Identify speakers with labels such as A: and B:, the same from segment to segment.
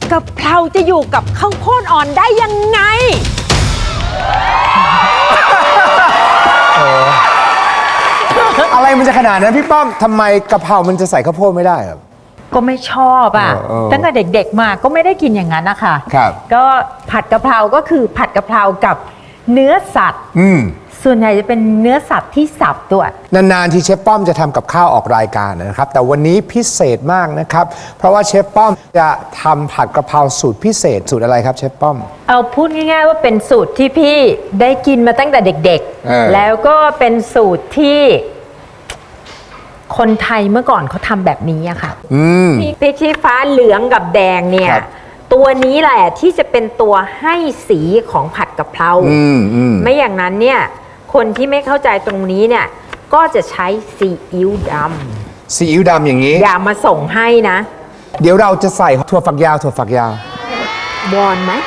A: กะเพราจะอยู่กับข้าวโพดอ่อนได้ยังไง
B: อะไรมันจะขนาดนั้นพี่ป้อมทำไมกะเพรามันจะใส่ข้าวโพดไม่ได้ครับ
A: ก็ไม่ชอบอ่ะตั้งแต่เด็กๆมาก็ไม่ได้กินอย่างนั้นนะคะ
B: ครับ
A: ก็ผัดกะเพราก็คือผัดกะเพรากับเนื้อสัตว์ส่วนใหญ่จะเป็นเนื้อสัตว์ที่สับตัวน
B: านๆที่เชฟป้อมจะทำกับข้าวออกรายการนะครับแต่วันนี้พิเศษมากนะครับเพราะว่าเชฟป้อมจะทำผัดกะเพราสูตรพิเศษสูตรอะไรครับเชฟป้อม
A: เอาพูดง่ายๆว่าเป็นสูตรที่พี่ได้กินมาตั้งแต่เด็กๆแล้วก็เป็นสูตรที่คนไทยเมื่อก่อนเขาทำแบบนี้อะค่ะพริกชี้ฟ้าเหลืองกับแดงเนี่ยตัวนี้แหละที่จะเป็นตัวให้สีของผัดกะเพราไม่อย่างนั้นเนี่ยคนที่ไม่เข้าใจตรงนี้เนี่ยก็จะใช้ซีอิ๊วดำ
B: ซีอิ๊วดำอย่างนี้
A: อย่ามาส่งให้นะ
B: เดี๋ยวเราจะใส่ถั่วฝักยาว
A: วอนไหม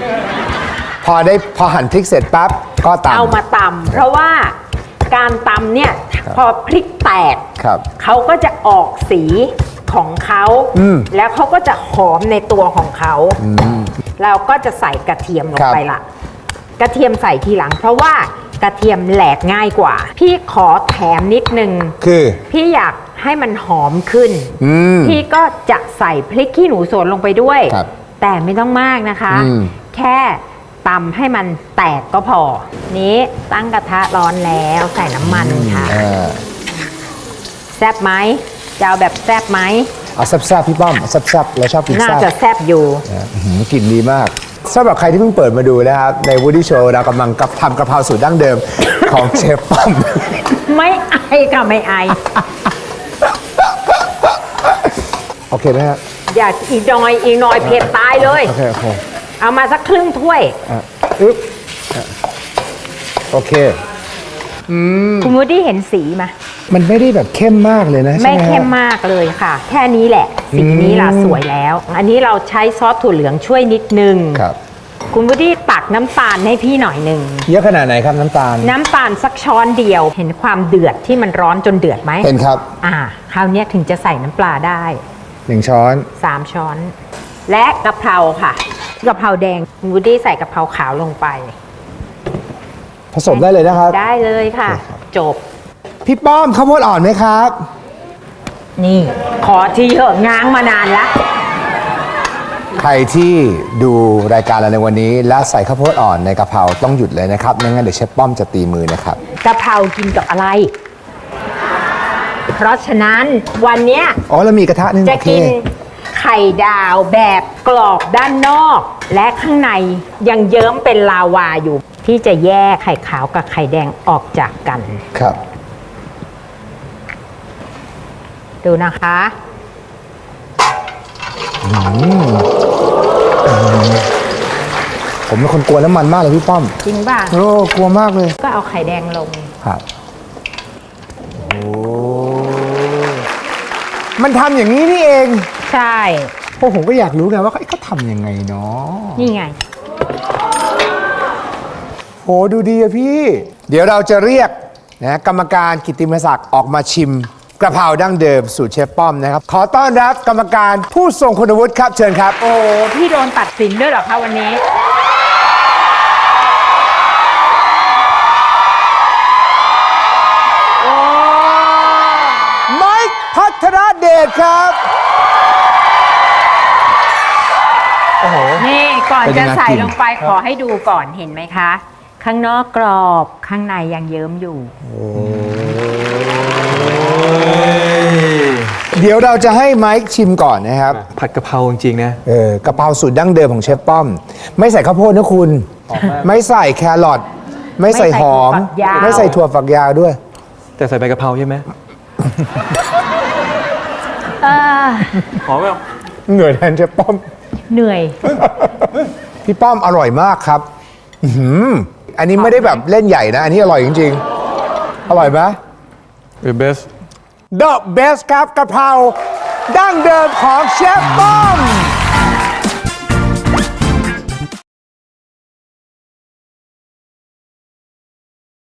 B: พอหั่นพริกเสร็จปั๊บก็ตำ
A: เอามาตำเพราะว่าการตำเนี่ยพอพริกแตกเขาก็จะออกสีของเขาแล้วเขาก็จะหอมในตัวของเขาเราก็จะใส่กระเทียมลงไปละกระเทียมใส่ทีหลังเพราะว่ากระเทียมแหลกง่ายกว่าพี่ขอแถมนิดนึง
B: คือ
A: พี่อยากให้มันหอมขึ้นพี่ก็จะใส่พริกขี้หนูสวนลงไปด้วยแต่ไม่ต้องมากนะคะแค่ตำให้มันแตกก็พอนี้ตั้งกระทะร้อนแล้วใส่น้ำมันค่ะแซ่บไหมจะเอาแบบแซ่บไหม
B: เอาแซ่บๆพี่ป้อมแซ่บๆเราชอบกินแซ่บ
A: น่าจะแซ่บอยู่
B: กลิ่นดีมากสำหรับใครที่เพิ่งเปิดมาดูนะครับใน Woody Show เรากำลังทำกระเพราสูตรดั้งเดิมของเชฟป้อม
A: ไม่ไอค่ะไม่ไอ
B: โอเคไหมฮะ
A: อย่าอีกหน่อยเผ็ดตายเลย
B: โอเค
A: เอามาสักครึ่งถ้วย
B: โอเค
A: คุณวูดดี้เห็นสีไหม
B: มันไม่ได้แบบเข้มมากเลยนะ
A: ไม่เข้มมากเลยค่ะแค่นี้แหละสีนี้ล่ะสวยแล้วอันนี้เราใช้ซอสถั่วเหลืองช่วยนิดนึง
B: ครับ
A: คุณวูดดี้ตักน้ำตาลให้พี่หน่อยหนึ่ง
B: เยอะขนาดไหนครับน้ำตาล
A: สักช้อนเดียวเห็นความเดือดที่มันร้อนจนเดือดไหม
B: เห็นครับ
A: คราวนี้ถึงจะใส่น้ำปลาได้
B: 1 ช้อน
A: 3 ช้อนและกะเพราค่ะกะเพราแดงคุณวูดดี้ใส่กะเพราขาวลงไป
B: ผสมได้เลยนะครับ
A: ได้เลยค่ะจบ
B: พี่ป้อมข้าวโพดอ่อนไหมครับ
A: นี่ขอที่เหอะง้างมานานแล้ว
B: ใครที่ดูรายการเราในวันนี้และใส่ข้าวโพดอ่อนในกะเพราต้องหยุดเลยนะครับไม่งั้นเดี๋ยวเชฟป้อมจะตีมือนะครับ
A: กะเพรากินกับอะไรเพราะฉะนั้นวันนี้
B: เรามีกระทะนึง
A: จะกินไข่ดาวแบบกรอบด้านนอกและข้างในยังเยิ้มเป็นลาวาอยู่ที่จะแยกไข่ขาวกับไข่แดงออกจากกัน
B: ครับ
A: ดูนะคะ
B: ผมเป็นคนกลัวน้ำมันมากเลยพี่ป้อม
A: จริงป่ะ
B: กลัวมากเลย
A: ก็เอาไข่แดงลง
B: ครับมันทำอย่างนี้นี่เอง
A: ใช่
B: ผมก็อยากรู้ไงว่าเขาทำยังไงเนาะ
A: นี่ไง
B: ดูดีอะพี่เดี๋ยวเราจะเรียกนะกรรมการกิตติมศักดิ์ออกมาชิมกระเพราดั้งเดิมสูตรเชฟป้อมนะครับขอต้อนรับกรรมการผู้ทรงคุณวุฒิครับเชิญครับ
A: พี่โดนตัดสินด้วยเหรอคะวันนี้
B: ไมค์พัทรเดชครับ
A: นี่ก่อนจะใส่ลงไปขอให้ดูก่อนเห็นไหมคะข้างนอกกรอบข้างในยังเยิ้มอยู่
B: เดี๋ยวเราจะให้ไมค์ชิมก่อนนะครับ
C: ผัดกะเพราจริงๆนะ
B: กะเพราสูตรดั้งเดิมของเชฟป้อมไม่ใส่ข้าวโพดนะคุณไม่ใส่แครอทไม่ใส่หอมไม่ใส่ถั่วฝักยาวด้วย
C: แต่ใส่ใบกะเพราใช่ไหมหอมไหม
B: เหนื่อยแทนเชฟป้อม
A: เหนื่อย
B: พี่ป้อมอร่อยมากครับอันนี้ไม่ได้แบบเล่นใหญ่นะอันนี้อร่อยจริงๆอร่อยไหม
C: The best
B: The best ครับกะเพราดั้งเดิมของเชฟป้อม